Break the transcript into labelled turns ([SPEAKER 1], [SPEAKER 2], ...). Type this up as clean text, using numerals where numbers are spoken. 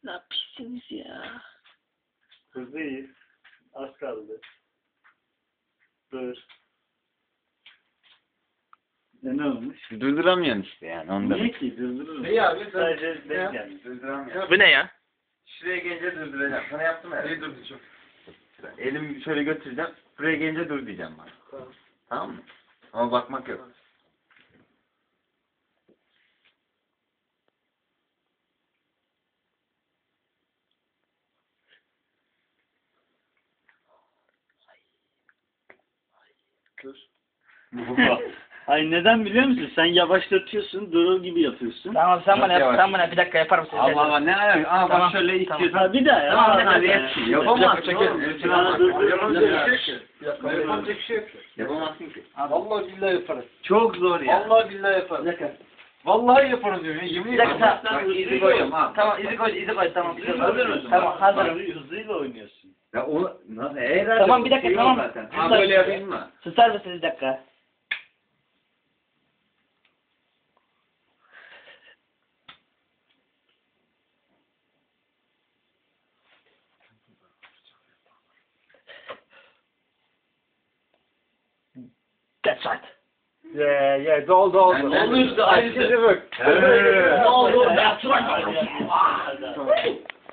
[SPEAKER 1] Ne yapıyorsunuz ya?
[SPEAKER 2] Hızlıyız. Az kaldı. Dur. Ne olmuş?
[SPEAKER 3] Durduramıyorsun işte yani ondan.
[SPEAKER 2] Niye ki? Durdururuz.
[SPEAKER 4] İyi abi.
[SPEAKER 2] Sadece denk gelmiş.
[SPEAKER 3] Durduramıyorum.
[SPEAKER 1] Bu ne ya?
[SPEAKER 3] Şuraya gelince durduracağım. Sana yaptım ya.
[SPEAKER 4] İyi durduracağım.
[SPEAKER 3] Elimi şöyle götüreceğim. Buraya gelince dur diyeceğim bana.
[SPEAKER 4] Tamam.
[SPEAKER 3] Tamam mı? Ama bakmak yok.
[SPEAKER 4] Dur.
[SPEAKER 2] Ay neden biliyor musun? Sen yavaşlatıyorsun, durur gibi yapıyorsun.
[SPEAKER 1] Tamam sen bana
[SPEAKER 3] Çok
[SPEAKER 1] yap.
[SPEAKER 3] yavaş.
[SPEAKER 1] Sen bana bir dakika yapar mısın?
[SPEAKER 3] Allah Allah ne alaka? Aa
[SPEAKER 1] Tamam,
[SPEAKER 3] bak şöyle istiyorsan.
[SPEAKER 2] Ha bir daha ya.
[SPEAKER 3] Tamam
[SPEAKER 2] Ha,
[SPEAKER 3] hadi
[SPEAKER 2] ha,
[SPEAKER 3] yap.
[SPEAKER 2] ha.
[SPEAKER 3] Yapamazsın
[SPEAKER 4] Çekelim.
[SPEAKER 3] oğlum.
[SPEAKER 2] Ha, dur, dur.
[SPEAKER 4] Yapamayacak bir şey yok. Yapamayacak bir şey yok.
[SPEAKER 3] Yapamazsın ki.
[SPEAKER 4] Vallahi billahi yaparız.
[SPEAKER 3] Çok zor ya.
[SPEAKER 4] Vallahi billahi yaparız. Vallahi yaparız diyor. Yemin
[SPEAKER 1] Bir dakika
[SPEAKER 4] ederim.
[SPEAKER 1] tamam.
[SPEAKER 3] Bak, izi koyuyorum ha.
[SPEAKER 1] Tamam izi koy tamam.
[SPEAKER 2] Hazır mısın?
[SPEAKER 1] Tamam hazırım.
[SPEAKER 2] Hızlıyla oynuyorsun.
[SPEAKER 3] Ya o nasıl? Herhalde
[SPEAKER 1] Tamam, bir
[SPEAKER 3] bu
[SPEAKER 1] dakika,
[SPEAKER 3] şey
[SPEAKER 1] tamam.
[SPEAKER 3] yok zaten.
[SPEAKER 1] Susar
[SPEAKER 3] Ha böyle
[SPEAKER 1] mısın?
[SPEAKER 3] yapayım mı?
[SPEAKER 1] Susar mısın bir dakika? That's right.
[SPEAKER 4] Ye doldu oldu.
[SPEAKER 3] Ben- ben-
[SPEAKER 4] Oldu işte aynı sesi bak.
[SPEAKER 3] Evet.
[SPEAKER 1] Ne oldu? That's right.
[SPEAKER 2] Hadi, hadi.